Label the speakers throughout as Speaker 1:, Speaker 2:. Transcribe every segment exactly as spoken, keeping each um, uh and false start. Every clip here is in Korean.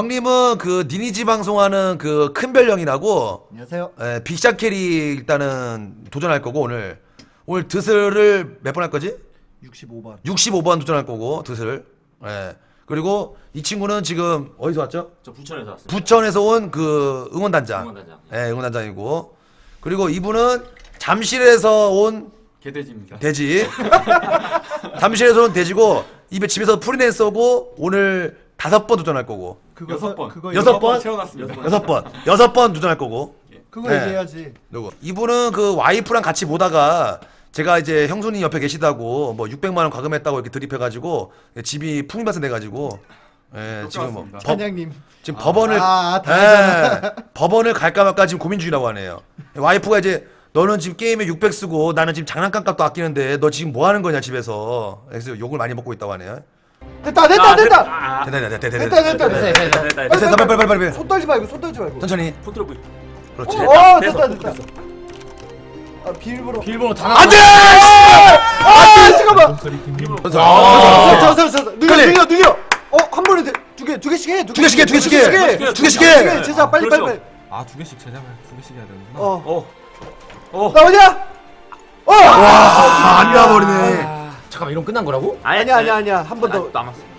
Speaker 1: 형님은 그 니니지 방송하는 그 큰별령이라고.
Speaker 2: 안녕하세요.
Speaker 1: 예, 빅샷 캐리 일단은 도전할 거고 오늘 오늘 드슬을 몇 번 할 거지?
Speaker 2: 육십오 번.
Speaker 1: 육십오 번 도전할 거고 드슬. 예. 그리고 이 친구는 지금 어디서 왔죠?
Speaker 3: 저 부천에서 왔어요.
Speaker 1: 부천에서 온 그 응원단장.
Speaker 3: 응원단장.
Speaker 1: 예, 응원단장이고. 그리고 이분은 잠실에서 온
Speaker 3: 개돼지입니다.
Speaker 1: 돼지. 잠실에서 온 돼지고 입에 집에서 프리랜서고 오늘 다섯 번 도전할 거고.
Speaker 2: 그거
Speaker 3: 여섯
Speaker 2: 서-
Speaker 3: 번.
Speaker 2: 그거
Speaker 1: 여섯
Speaker 2: 얘기-
Speaker 1: 번?
Speaker 3: 채워놨습니다.
Speaker 1: 여섯 번. 여섯 번 도전할 거고.
Speaker 2: 그거
Speaker 1: 네.
Speaker 2: 얘기해야지.
Speaker 1: 누구? 이분은 그 와이프랑 같이 보다가 제가 이제 형수님 옆에 계시다고 뭐 육백만 원 과금했다고 이렇게 드립해가지고 집이 풍비밭에 내가지고 예, 지금 뭐
Speaker 3: 똑같습니다.
Speaker 1: 법,
Speaker 2: 찬양님.
Speaker 1: 지금 법원을
Speaker 2: 아, 다
Speaker 1: 예, 법원을 갈까 말까 지금 고민 중이라고 하네요. 와이프가 이제 너는 지금 게임에 육백 쓰고 나는 지금 장난감 값도 아끼는데 너 지금 뭐 하는 거냐 집에서. 그래서 욕을 많이 먹고 있다고 하네요.
Speaker 2: 됐다 됐다
Speaker 3: 아,
Speaker 2: 됐다.
Speaker 3: 아,
Speaker 1: 됐다 됐다 됐다
Speaker 2: 됐다
Speaker 1: 됐다.
Speaker 2: 됐다
Speaker 3: 됐다,
Speaker 2: 됐다.
Speaker 3: 됐다, 됐다,
Speaker 1: 됐다,
Speaker 3: 됐다.
Speaker 1: 빨리 빨리 빨리 빨리.
Speaker 2: 손 떨지 말고 손 떨지 말고.
Speaker 1: 천천히.
Speaker 3: 포트로 부.
Speaker 1: 그렇지.
Speaker 2: 어,
Speaker 3: 됐다,
Speaker 2: 어
Speaker 3: 됐어,
Speaker 2: 됐다 됐다. 아 비밀번호.
Speaker 3: 비밀번호 다
Speaker 1: 안돼.
Speaker 2: 아 잠깐만.
Speaker 1: 아,
Speaker 2: 저저저 능력
Speaker 1: 클릭.
Speaker 2: 능력 능력. 어한 번에 두개두 개씩 해.
Speaker 1: 두 개씩 해, 두 개씩 해.
Speaker 2: 두 개씩 해.
Speaker 1: 두 개씩
Speaker 2: 두
Speaker 1: 해.
Speaker 2: 개. 제자 빨리 빨리
Speaker 3: 그렇죠.
Speaker 2: 빨리.
Speaker 4: 아 두 개씩 제작을 두 개씩 해야 되는구나.
Speaker 2: 어.
Speaker 3: 어. 어.
Speaker 2: 나오냐? 어.
Speaker 1: 아, 안 나와버리네.
Speaker 4: 잠깐만 이런 끝난 거라고?
Speaker 2: 아니야 아니야 아니야 한 번 더.
Speaker 3: 남았어.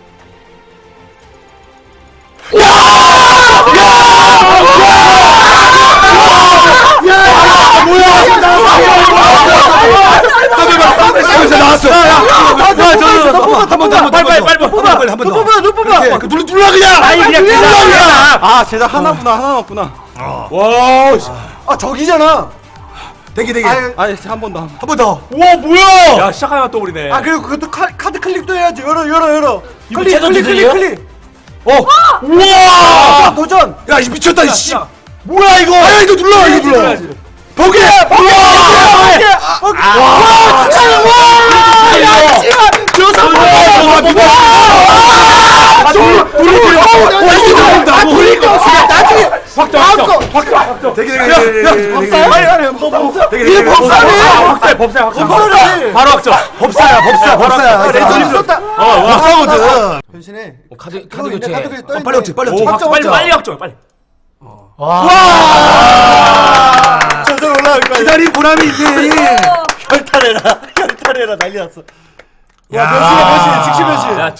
Speaker 1: 나왔어. 한번 더, 한 번 더,
Speaker 3: 빨리, 빨리, 빨리
Speaker 1: 뽑아, 빨리 한 번 더.
Speaker 2: 뽑아 너 뽑아.
Speaker 1: 그래, 그 눌러 눌러 그냥.
Speaker 3: 아니 그냥
Speaker 1: 눌러
Speaker 3: 그냥.
Speaker 1: 그냥.
Speaker 4: 아 제작 하나구나 하나 남았구나.
Speaker 3: 와. 씨.
Speaker 2: 아 저기잖아.
Speaker 1: 대기 대기.
Speaker 2: 아유.
Speaker 4: 아니 한 번 더.
Speaker 1: 한 번 더.
Speaker 3: 와 뭐야? 야 시작하면 또 우리네.
Speaker 2: 아 그리고 그것도 카, 카드 클릭도 해야지. 열어 열어 열어.
Speaker 3: 이거
Speaker 2: 클릭
Speaker 3: 최저
Speaker 2: 클릭 클릭
Speaker 3: 기준이에요?
Speaker 2: 클릭.
Speaker 1: 어.
Speaker 2: 우와 도전.
Speaker 1: 야, 이 미쳤다, 이씨.
Speaker 3: 야.
Speaker 1: 뭐야 이거? 아, 이거 눌러, 이거 눌러. 보게. 보게.
Speaker 2: 와 진짜 와. 야 씨발 여섯 번.
Speaker 1: 돌려 돌려. 와, 이게 나온다.
Speaker 2: 아 돌릴 거 없어. 나중에
Speaker 3: 확정 확정 확정.
Speaker 1: 대기 대기 대기.
Speaker 2: 법사야?
Speaker 1: 대기,
Speaker 2: 아니 아니 법사.
Speaker 1: 대기,
Speaker 2: 이게
Speaker 1: 대기.
Speaker 2: 법사네.
Speaker 3: 법사 법사 확정.
Speaker 2: 법사네.
Speaker 3: 바로 확정.
Speaker 1: 법사야, 법사, 법사야.
Speaker 2: 아, 레전드 썼다.
Speaker 3: 어
Speaker 1: 법사거든.
Speaker 2: 변신해.
Speaker 4: 어, 카드
Speaker 2: 그거
Speaker 4: 카드
Speaker 2: 있네,
Speaker 4: 교체.
Speaker 2: 카드 교체 떠
Speaker 1: 어,
Speaker 2: 있네.
Speaker 1: 빨리 확정, 빨리
Speaker 3: 오
Speaker 1: 확정.
Speaker 3: 확정 빨리
Speaker 2: 확정.
Speaker 3: 빨리 확정 빨리.
Speaker 2: 저절 올라올 거야.
Speaker 1: 기다린 보람이 있네.
Speaker 2: 결탈해라. 결탈해라 난리 났어.
Speaker 1: 야.
Speaker 2: 와 변신해 변신 즉시 변신.
Speaker 3: 야.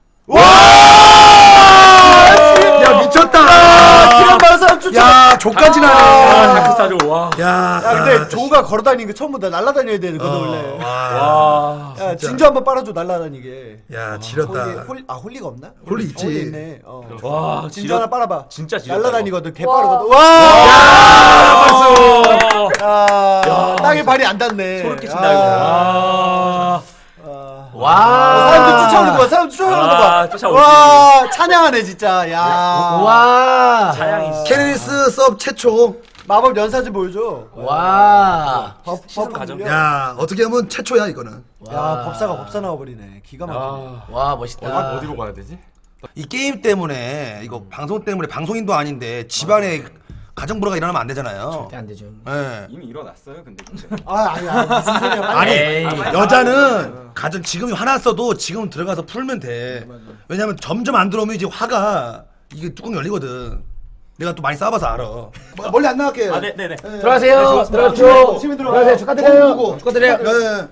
Speaker 1: 야, 미쳤다.
Speaker 2: 기란 많은 사람 쫓아.
Speaker 1: 야, 족까지
Speaker 3: 아
Speaker 1: 나네.
Speaker 3: 다크 스타죠. 와.
Speaker 1: 야.
Speaker 2: 야 근데 조가 걸어다니는 거 처음 본다. 날아다녀야 되는 거든 원래.
Speaker 1: 와.
Speaker 3: 와.
Speaker 2: 야 진주 한번 빨아줘 날아다니게.
Speaker 1: 야,
Speaker 2: 홀리,
Speaker 1: 지렸다.
Speaker 2: 홀, 아 홀리가 없나?
Speaker 1: 홀리 있지.
Speaker 2: 홀리 있네. 어.
Speaker 3: 와
Speaker 2: 진주
Speaker 3: 지렸.
Speaker 2: 하나 빨아봐.
Speaker 3: 진짜 지렸다.
Speaker 2: 날아다니거든. 개 빠르거든.
Speaker 1: 야,
Speaker 2: 와.
Speaker 1: 박수.
Speaker 2: 야, 땅에 발이 안 닿네.
Speaker 3: 소름 끼친다 이거. 아.
Speaker 4: 와.
Speaker 2: 어, 사람들 쫓아오는 거 봐. 사람들 쫓아오는 거 봐.
Speaker 3: 아, 쫓아오지.
Speaker 2: 와, 찬양하네 진짜. 야.
Speaker 4: 와.
Speaker 3: 차양이.
Speaker 1: 케네리스 섭 최초.
Speaker 2: 마법 연사진 보여줘.
Speaker 4: 와.
Speaker 2: 법,
Speaker 3: 시선
Speaker 2: 법
Speaker 3: 가정.
Speaker 2: 야,
Speaker 1: 야, 어떻게 하면 최초야 이거는.
Speaker 2: 야, 법사가 법사 나와버리네. 기가 막히네.
Speaker 4: 와 멋있다.
Speaker 3: 어디로 가야 되지?
Speaker 1: 이 게임 때문에 이거 방송 때문에 방송인도 아닌데 집안에 가정 불화가 일어나면 안 되잖아요.
Speaker 4: 절대 안 되죠.
Speaker 1: 예.
Speaker 3: 이미 일어났어요 근데.
Speaker 2: 아, 아니야. 무슨 소리야.
Speaker 1: 아니
Speaker 4: 에이.
Speaker 1: 여자는 가정 지금 화났어도 지금 들어가서 풀면 돼. 왜냐면 점점 안 들어오면 이제 화가 이게 뚜껑 열리거든. 내가 또 많이 싸봐서 알아. 멀리 안 나갈게.
Speaker 3: 아 네네네.
Speaker 4: 들어가세요.
Speaker 2: 시민
Speaker 4: 들어가죠.
Speaker 2: 시민 들어가.
Speaker 4: 들어가세요. 축하드려요. 축하드려요.
Speaker 1: 네.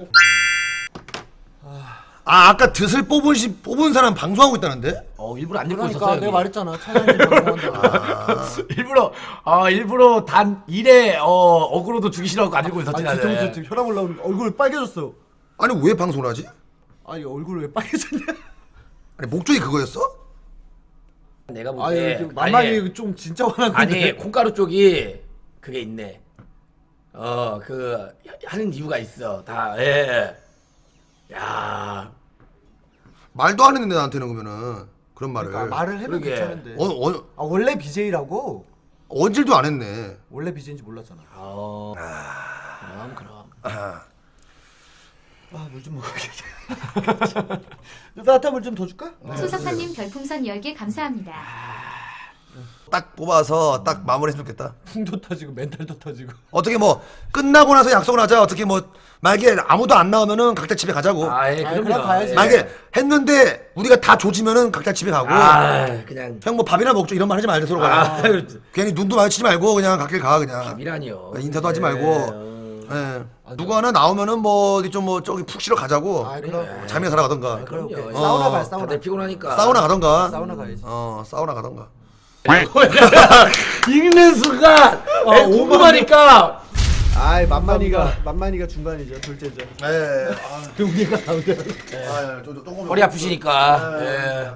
Speaker 1: 아 아까 드슬 뽑은 시, 뽑은 사람 방송하고 있다는데?
Speaker 4: 어 일부러 안 들고
Speaker 2: 그러니까
Speaker 4: 있었어요.
Speaker 2: 내가
Speaker 4: 여기.
Speaker 2: 말했잖아. 찬양이 방송한다.
Speaker 4: 일부러 어 일부러 단 일에 어 어그로도 주기 싫어갖고 안 들고 있었지
Speaker 2: 아니, 뒤통수
Speaker 4: 나는.
Speaker 2: 지금 혈압 올라오는 얼굴 빨개졌어.
Speaker 1: 아니 왜 방송을 하지?
Speaker 2: 아니, 얼굴 왜 빨개졌냐?
Speaker 1: 아니 목적이 그거였어?
Speaker 4: 내가
Speaker 2: 아니,
Speaker 4: 볼때
Speaker 2: 좀 만만히 좀 진짜 화난 건데.
Speaker 4: 아니 콩가루 쪽이 그게 있네. 어 그 하는 이유가 있어 다. 예. 야.
Speaker 1: 말도 안 했는데 나한테는 그러면은 그런 말을.
Speaker 2: 그러니까 말을 해도
Speaker 4: 그러게.
Speaker 2: 괜찮은데.
Speaker 1: 어, 어,
Speaker 2: 아, 원래 비제이라고?
Speaker 1: 언질도 안 했네.
Speaker 2: 원래 비제이인지 몰랐잖아.
Speaker 4: 어. 그럼 그럼.
Speaker 1: 아,
Speaker 2: 아, 물 좀 먹어야겠다. 따뜻한 물 좀 더 줄까?
Speaker 5: 수석사님 별풍선 열 개 감사합니다.
Speaker 1: 딱 뽑아서 딱 마무리했으면 좋겠다.
Speaker 2: 풍도 터지고 멘탈도 터지고.
Speaker 1: 어떻게 뭐 끝나고 나서 약속을 하자. 어떻게 뭐 만약에 아무도 안 나오면은 각자 집에 가자고.
Speaker 4: 아예
Speaker 2: 아이,
Speaker 4: 그럼요.
Speaker 2: 그럼 가야지.
Speaker 4: 예.
Speaker 1: 만약에 했는데 우리가 다 조지면은 각자 집에 가고.
Speaker 4: 아 그냥
Speaker 1: 형 뭐 밥이나 먹죠 이런 말 하지 말자 서로가.
Speaker 4: 아
Speaker 1: 괜히 눈도 마주치지 말고 그냥 각길 가 그냥.
Speaker 4: 미라니요.
Speaker 1: 인사도 하지
Speaker 4: 예,
Speaker 1: 말고.
Speaker 4: 어.
Speaker 1: 예. 누구 하나 나오면은 뭐 어디 좀 뭐 저기 푹 쉬러 가자고.
Speaker 2: 아 그럼.
Speaker 1: 잠이나 자러 가던가.
Speaker 4: 그럼요.
Speaker 2: 오케이.
Speaker 4: 예.
Speaker 2: 사우나
Speaker 1: 어.
Speaker 2: 가 사우나.
Speaker 4: 다들 피곤하니까.
Speaker 1: 사우나 가던가.
Speaker 2: 사우나 가야지.
Speaker 1: 어 사우나 가던가.
Speaker 4: 읽는 순간 어,
Speaker 2: 에,
Speaker 4: 궁금하니까
Speaker 2: 아이 만만이가 만만이가 중간이죠. 둘째죠.
Speaker 1: 예.
Speaker 2: 우리가 가운데.
Speaker 1: 아, 좀, 좀, 조금-
Speaker 4: 허리 아프시니까. 예.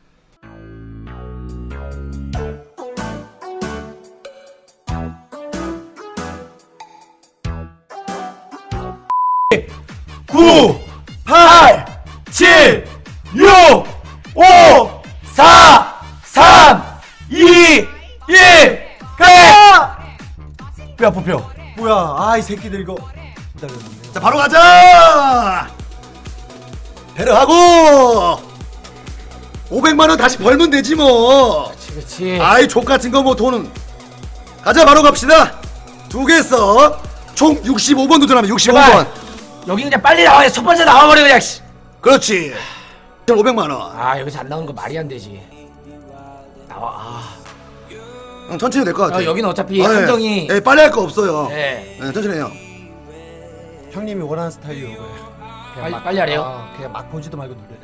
Speaker 1: 구,
Speaker 4: 팔, 칠, 육, 오, 사, 삼, 이, 일, 가! 뼈 아파 뼈.
Speaker 2: 뭐야? 아이 새끼들 이거. 기다렸네.
Speaker 1: 자 바로 가자. 배를 하고 오백만 원 다시 벌면 되지 뭐.
Speaker 4: 그렇지 그렇지.
Speaker 1: 아이 족 같은 거 뭐 돈은 가자 바로 갑시다. 두 개 써. 총 육십오 번 도전하면 육십오 번.
Speaker 4: 제발. 여기 그냥 빨리 나와. 첫 번째 나와버려 그냥. 씨.
Speaker 1: 그렇지. 오백만 원.
Speaker 4: 아 여기서 안 나오는 거 말이 안 되지. 나와. 아.
Speaker 1: 형 천천히 될 것 같아.
Speaker 4: 어, 여기는 어차피
Speaker 1: 아, 예.
Speaker 4: 한정이.
Speaker 1: 예, 빨리 할 거 없어요.
Speaker 4: 네.
Speaker 1: 예, 천천히 해요.
Speaker 2: 형님이 원하는 스타일이 이거예요. 그냥
Speaker 4: 빨리-
Speaker 2: 막-
Speaker 4: 빨리 하래요?
Speaker 2: 아, 그냥 막 보지도 말고 누르래요.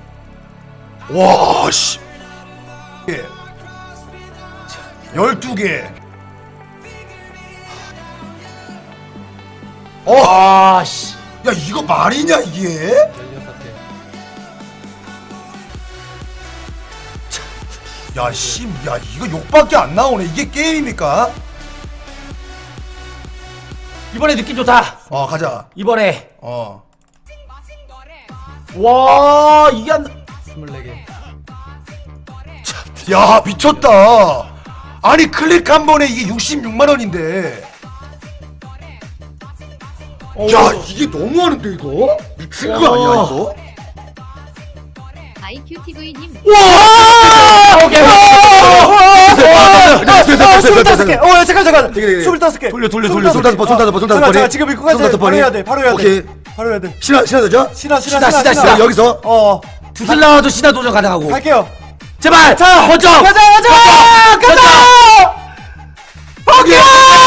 Speaker 1: 와 씨. 예. 열두 개. 어.
Speaker 4: 아 씨.
Speaker 1: 야 이거 말이냐 이게?
Speaker 2: 열여섯 개.
Speaker 1: 야 씨, 야 이거 욕밖에 안 나오네. 이게 게임입니까?
Speaker 4: 이번에 느낌 좋다.
Speaker 1: 어 가자.
Speaker 4: 이번에.
Speaker 1: 어.
Speaker 4: 와 이게 안.
Speaker 2: 스물네 개.
Speaker 1: 야 미쳤다. 아니 클릭 한 번에 이게 육십육만 원인데. 야 이게 너무하는데 이거? 미친 거 아니야 이거?
Speaker 5: 아이큐티브이님
Speaker 4: 와! 오케이.
Speaker 2: 스물다섯 개. 어 잠깐 잠깐.
Speaker 1: 되게, 되게.
Speaker 2: 스물다섯 개.
Speaker 1: 돌려 돌려 돌려 손다섯 번 손다섯 번 손다섯
Speaker 2: 잠깐
Speaker 1: 번에.
Speaker 2: 잠깐 지금 이거 가자.
Speaker 1: 손다섯
Speaker 2: 바로
Speaker 1: 번에.
Speaker 2: 해야 돼. 바로 해야 돼.
Speaker 1: 오케이.
Speaker 2: 바로 해야 돼.
Speaker 1: 신화 신화 되죠?
Speaker 2: 신화 신화
Speaker 4: 신화, 신화,
Speaker 2: 신화.
Speaker 4: 신화.
Speaker 1: 여기서
Speaker 2: 어.
Speaker 4: 두슬 나와도 신화 도전 가능하고.
Speaker 2: 갈게요.
Speaker 4: 제발.
Speaker 2: 자,
Speaker 4: 먼저.
Speaker 2: 가자 가자. 가자.
Speaker 4: 오케이.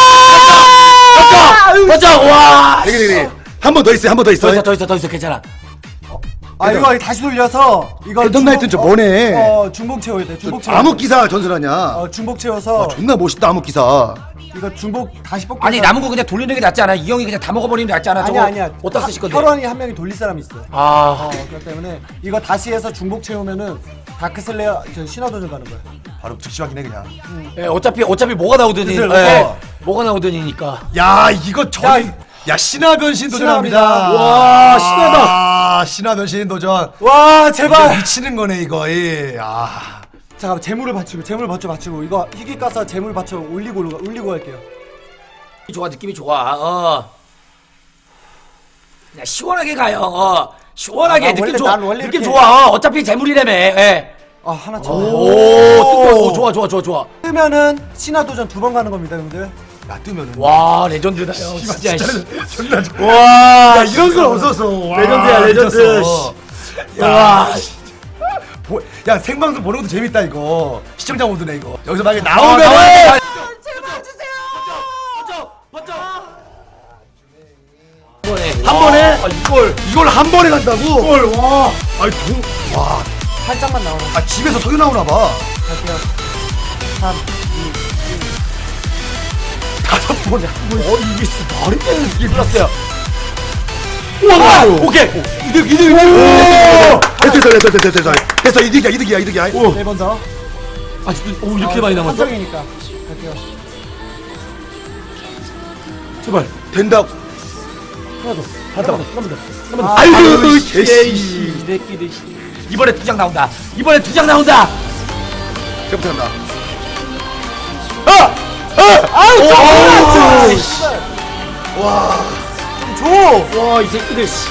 Speaker 4: 먼저. 먼저. 와.
Speaker 1: 되게 되게 한번 더 있어요. 한 번 더
Speaker 4: 더
Speaker 1: 있어요.
Speaker 4: 있어 더 있어 더 있어 괜찮아.
Speaker 2: 아 이거 다시 돌려서 이거
Speaker 1: 랜덤 나이트는 저 뭐네.
Speaker 2: 어 중복 채워야 돼. 중복 채워.
Speaker 1: 암흑 기사 전설하냐?
Speaker 2: 어 중복 채워서
Speaker 1: 와 존나 멋있다 암흑 기사.
Speaker 2: 이거 중복 다시 뽑기.
Speaker 4: 아니 남은 거 그냥 돌리는 게 낫지 않아? 이 형이 그냥 다 먹어버리는 게 낫지 않아?
Speaker 2: 아니야
Speaker 4: 저거
Speaker 2: 아니야.
Speaker 4: 어디다 쓰실 건데?
Speaker 2: 혈원이 한 명이 돌릴 사람이 있어.
Speaker 4: 아.
Speaker 2: 어 그렇기 때문에 이거 다시 해서 중복 채우면은 다크슬레어 저 신화도전 가는 거야.
Speaker 1: 바로 즉시 확인해 그냥.
Speaker 4: 예, 어차피 어차피 뭐가 나오더니
Speaker 2: 그슬,
Speaker 4: 예,
Speaker 1: 어.
Speaker 4: 뭐가 나오더니니까.
Speaker 1: 야 이거 저.
Speaker 2: 야,
Speaker 1: 야 신화 변신 도전합니다.
Speaker 2: 신화입니다.
Speaker 1: 와 신화다. 신화 변신 도전.
Speaker 2: 와
Speaker 1: 이거
Speaker 2: 제발.
Speaker 1: 미치는 거네 이거. 예. 아.
Speaker 2: 잠깐 재물을 받치고 재물 받쳐 받치고 이거 희귀 가서 재물 받쳐 올리고 올리고, 올리고 할게요.
Speaker 4: 좋아 느낌이 좋아. 어. 그냥 시원하게 가요. 어. 시원하게
Speaker 2: 아, 나
Speaker 4: 느낌
Speaker 2: 원래-
Speaker 4: 좋아.
Speaker 2: 난 원래
Speaker 4: 느낌
Speaker 2: 이렇게-
Speaker 4: 좋아. 어. 어차피 재물이라며. 예.
Speaker 2: 아 하나 쳐.
Speaker 4: 오, 오, 좋아 좋아 좋아 좋아.
Speaker 2: 뜨면은 신화도전 두 번 가는 겁니다, 형들.
Speaker 1: 야 뜨면은.
Speaker 4: 와 레전드다 형. 진짜. 씨.
Speaker 1: 존나 좋아.
Speaker 4: 와
Speaker 1: 야 이런 건 없었어. 와,
Speaker 4: 레전드야, 레전드.
Speaker 1: 미쳤어.
Speaker 4: 와.
Speaker 1: 보, 야 생방송 보는 것도 재밌다 이거. 시청자 모드네 이거. 여기서 만약에
Speaker 4: 아,
Speaker 1: 나오면
Speaker 4: 나와야 돼.
Speaker 1: 한 번에
Speaker 4: 아, 이걸
Speaker 1: 이걸 한 번에 간다고? 이걸 와. 아니 돈 와.
Speaker 2: 살짝만 나오는.
Speaker 1: 아 집에서 석유 나오나 봐.
Speaker 2: 갈게요. 삼, 이,
Speaker 1: 다섯 번에 한 번. 어 이게 진짜 말이 되는 이게
Speaker 4: 불렀어요.
Speaker 1: 우와.
Speaker 4: 오케이.
Speaker 1: 이득 이득 이득. 됐어 됐어 됐어 됐어 됐어. 됐어 이득이야 이득이야 이득이야. 오.
Speaker 2: 네 번 더.
Speaker 4: 아, 진짜, 오, 이렇게 많이 남았어?
Speaker 2: 한정이니까. 갈게요.
Speaker 1: 제발 된다.
Speaker 2: 하나 더.
Speaker 1: 하다.
Speaker 2: 한번 더. 아,
Speaker 1: 아이고
Speaker 4: 개씨.
Speaker 1: 개씨.
Speaker 4: 이 새끼들. 씨. 이번에 두 장 나온다. 이번에 두 장 나온다.
Speaker 1: 제부터 간다.
Speaker 4: 아!
Speaker 1: 아우
Speaker 4: 오,
Speaker 1: 와.
Speaker 2: 줘.
Speaker 4: 와, 이 새끼들. 씨.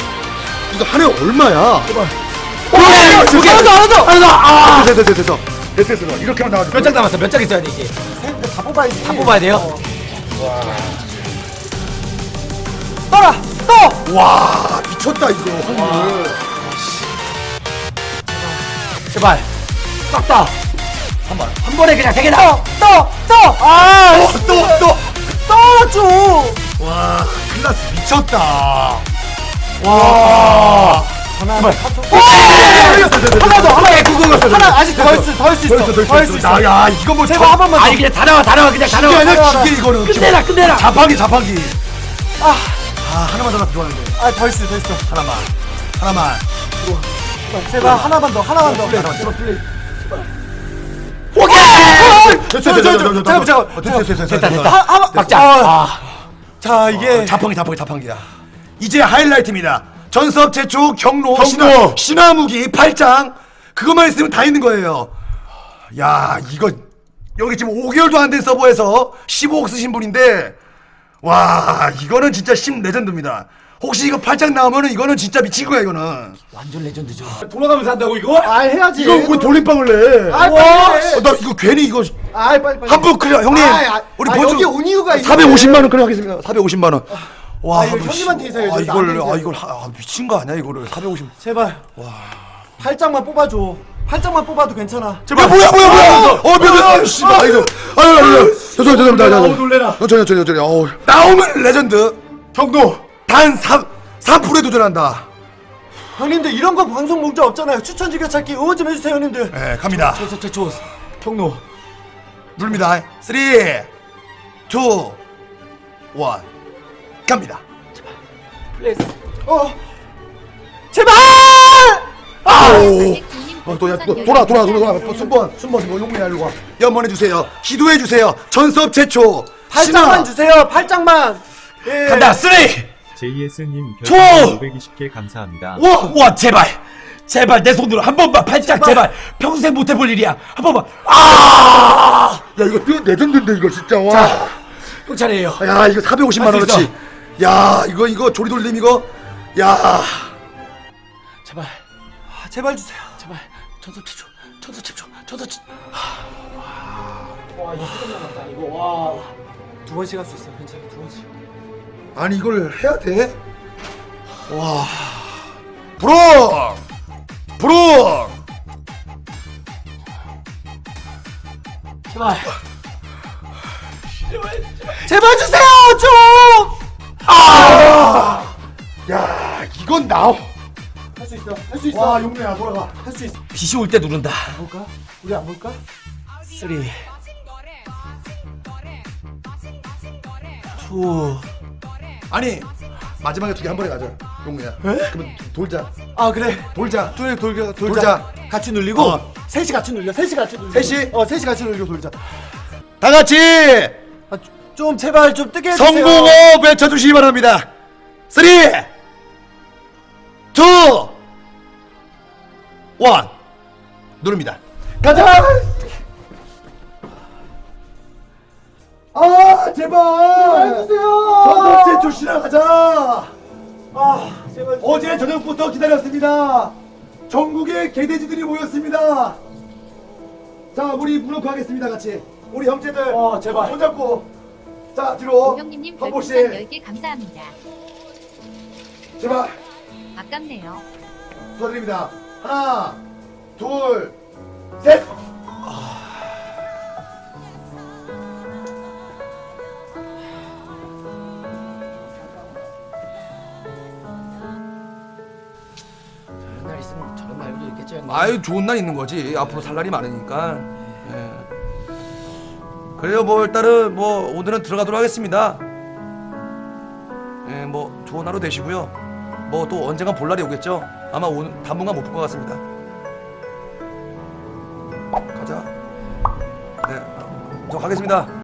Speaker 1: 이거 한 해 얼마야? 제발.
Speaker 4: 오케이, 오케이. 하나 더, 하나 더, 하나 더. 아!
Speaker 1: 됐어 됐어 됐어 됐어. 이렇게 하면 나와줘.
Speaker 4: 몇 장 남았어? 몇 장 있어야 되지?
Speaker 2: 셋, 다 뽑아야지.
Speaker 4: 다 뽑아야 돼요?
Speaker 2: 떠라! 떠!
Speaker 1: 와 미쳤다 이거 확률.
Speaker 4: 제발. 싹 다. 한 번. 한 번에 그냥 세 개 나와.
Speaker 2: 떠! 떠! 아!
Speaker 1: 또 또.
Speaker 2: 떠줘!
Speaker 1: 와 클라스 미쳤다.
Speaker 2: 와! 하나, 하나 더, 하나 더, 하나 아직 더 할 수, 더 할 수 있어. 더 할 수 있어.
Speaker 1: 야 이거 뭐
Speaker 2: 제발 한 번만 더.
Speaker 4: 아니 그냥 다 나와 다 나와 그냥 다
Speaker 1: 기계
Speaker 4: 나와.
Speaker 1: 아니야 기계 이거는.
Speaker 4: 끝내라 끝내라.
Speaker 1: 자판기 자판기.
Speaker 2: 아,
Speaker 1: 아 하나만 더 나도 좋아하는데.
Speaker 2: 아, 더 할 수 있어, 더 있어.
Speaker 1: 하나만 하나만.
Speaker 2: 제발 하나만 더, 하나만 더.
Speaker 1: 하나만 제발 플레이.
Speaker 2: 오케이!
Speaker 1: 됐어
Speaker 2: 저, 저, 저, 잠깐만, 잠깐만.
Speaker 1: 됐어 됐어 됐어.
Speaker 4: 됐다 됐다.
Speaker 2: 하- 하나,
Speaker 4: 막자.
Speaker 2: 아.
Speaker 4: 아.
Speaker 2: 자, 이게
Speaker 1: 자판기 자판기 자판기야. 이제 하이라이트입니다. 전섭 최초 경로,
Speaker 2: 경로.
Speaker 1: 신화, 신화무기 팔 장 그것만 있으면 다 있는 거예요. 야 이거 여기 지금 오 개월도 안 된 서버에서 십오억 쓰신 분인데 와 이거는 진짜 심 레전드입니다. 혹시 이거 팔 장 나오면은 이거는 진짜 미친 거야 이거는.
Speaker 4: 완전 레전드죠.
Speaker 3: 돌아가면서 한다고 이거?
Speaker 2: 아, 해야지.
Speaker 1: 이거 왜 돌림방을 내?
Speaker 2: 아, 빨리 해.
Speaker 1: 어, 나 이거 괜히 이거
Speaker 2: 아, 빨리 빨리.
Speaker 1: 한분 그래 형님.
Speaker 2: 아, 아,
Speaker 1: 우리
Speaker 2: 아,
Speaker 1: 보조
Speaker 2: 여기 온 이유가 있는데.
Speaker 1: 사백오십만 원 그래 하겠습니다. 사백오십만 원. 와,
Speaker 2: 아, 이거
Speaker 1: 한번
Speaker 2: 형님한테
Speaker 1: 씨-
Speaker 2: 인사해야지.
Speaker 1: 아, 이걸
Speaker 2: 나한테
Speaker 1: 아 이걸 하- 아, 미친 거 아니야 이거를 사백오십.
Speaker 2: 제발. 와. 팔 장만 뽑아줘. 팔 장만 뽑아도 괜찮아.
Speaker 1: 제발. 야, 뭐야 뭐야 뭐야. 어 미안 미안. 씨. 아 이거. 아유 아유. 죄송 죄송합니다.
Speaker 3: 어우, 놀래라.
Speaker 1: 천천히 천천히 천천히. 어우. 나오면 레전드. 경도 단 삼 삼 프로에 도전한다.
Speaker 2: 형님들 이런 거 방송 목적 없잖아요. 추천 즐겨찾기 응원 좀 해주세요, 형님들.
Speaker 1: 예, 갑니다.
Speaker 4: 최초 최초 경로.
Speaker 1: 누릅니다. 삼, 이, 일. 갑니다.
Speaker 4: 플레이스.
Speaker 2: 어. 제발!
Speaker 1: 아오. 어, 또, 야, 또, 돌아, 돌아, 돌아, 돌아. 또 순번, 순번, 뭐, 용문이 알고 연번해주세요. 기도해주세요. 전섭 최초.
Speaker 2: 팔
Speaker 1: 신화.
Speaker 2: 장만 주세요. 팔 장만. 예.
Speaker 4: 간다. 쓰리.
Speaker 5: 제이에스님
Speaker 4: 투!
Speaker 5: 별풍선 오백이십 개 감사합니다.
Speaker 4: 와, 와 제발. 제발 내 손으로 한 번만 팔짝 제발. 평생 못 해볼 일이야. 한 번만. 아!
Speaker 1: 야, 이거 또 레전드인데, 이거 진짜. 와.
Speaker 4: 자, 형 차례예요.
Speaker 1: 야, 이거 사백오십만
Speaker 4: 할수
Speaker 1: 원어치. 야, 이거, 이거, 조리돌림, 이거. 야.
Speaker 4: 제발.
Speaker 2: 아, 제발 주세요.
Speaker 4: 제발. 전섭 최초. 전섭 최초. 전섭 최초.
Speaker 2: 와, 이거 시간 남았다. 이거 와. 두 번씩 할 수 있어. 괜찮아. 두 번씩.
Speaker 1: 아니, 이걸 해야 돼? 와. 브로! 브로!
Speaker 4: 제발.
Speaker 2: 제발 주세요, 좀.
Speaker 1: 야, 이건 나오.
Speaker 2: 할 수 있어. 할 수 있어.
Speaker 1: 와, 용래야, 돌아가.
Speaker 2: 할 수 있어.
Speaker 4: 빛이 올 때 누른다.
Speaker 2: 볼까? 우리 안 볼까?
Speaker 4: 쓰리. 투.
Speaker 1: 아니, 마지막에 두 개 한 번에 가자. 용래야. 그러면 돌자.
Speaker 2: 아, 그래.
Speaker 1: 돌자.
Speaker 2: 돌 돌자. 돌자.
Speaker 1: 돌자.
Speaker 2: 같이 눌리고
Speaker 1: 어.
Speaker 2: 셋이 같이 눌려. 셋이 같이 눌려.
Speaker 1: 셋이?
Speaker 2: 어, 셋이 같이 눌리고 돌자.
Speaker 1: 다 같이
Speaker 2: 아, 좀 제발 좀 뜨게 해주세요.
Speaker 1: 성공호 외쳐주시기 바랍니다. 삼, 이, 일. 누릅니다. 가자! 아, 제발!
Speaker 2: 해주세요.
Speaker 1: 전체 조시나 가자!
Speaker 2: 아, 제발.
Speaker 1: 어제 저녁부터 기다렸습니다. 전국의 개돼지들이 모였습니다. 자, 우리 무릎 하겠습니다, 같이. 우리 형제들.
Speaker 2: 어, 제발.
Speaker 1: 손잡고. 자, 뒤로.
Speaker 6: 우경님님
Speaker 1: 한
Speaker 6: 별풍선
Speaker 1: 번씩.
Speaker 6: 열 개 감사합니다.
Speaker 1: 제발.
Speaker 6: 아깝네요.
Speaker 1: 축하드립니다. 하나, 둘, 셋.
Speaker 4: 저런 날 있으면 저런 날도 있겠죠, 형님.
Speaker 1: 아유, 좋은 날 있는 거지. 앞으로 살 날이 많으니까. 예. 그래요, 뭐 일단은 뭐 오늘은 들어가도록 하겠습니다. 예, 뭐 좋은 하루 되시고요. 뭐 또 언젠가 볼 날이 오겠죠. 아마 오늘 당분간 못 볼 것 같습니다. 가자. 네, 저 가겠습니다.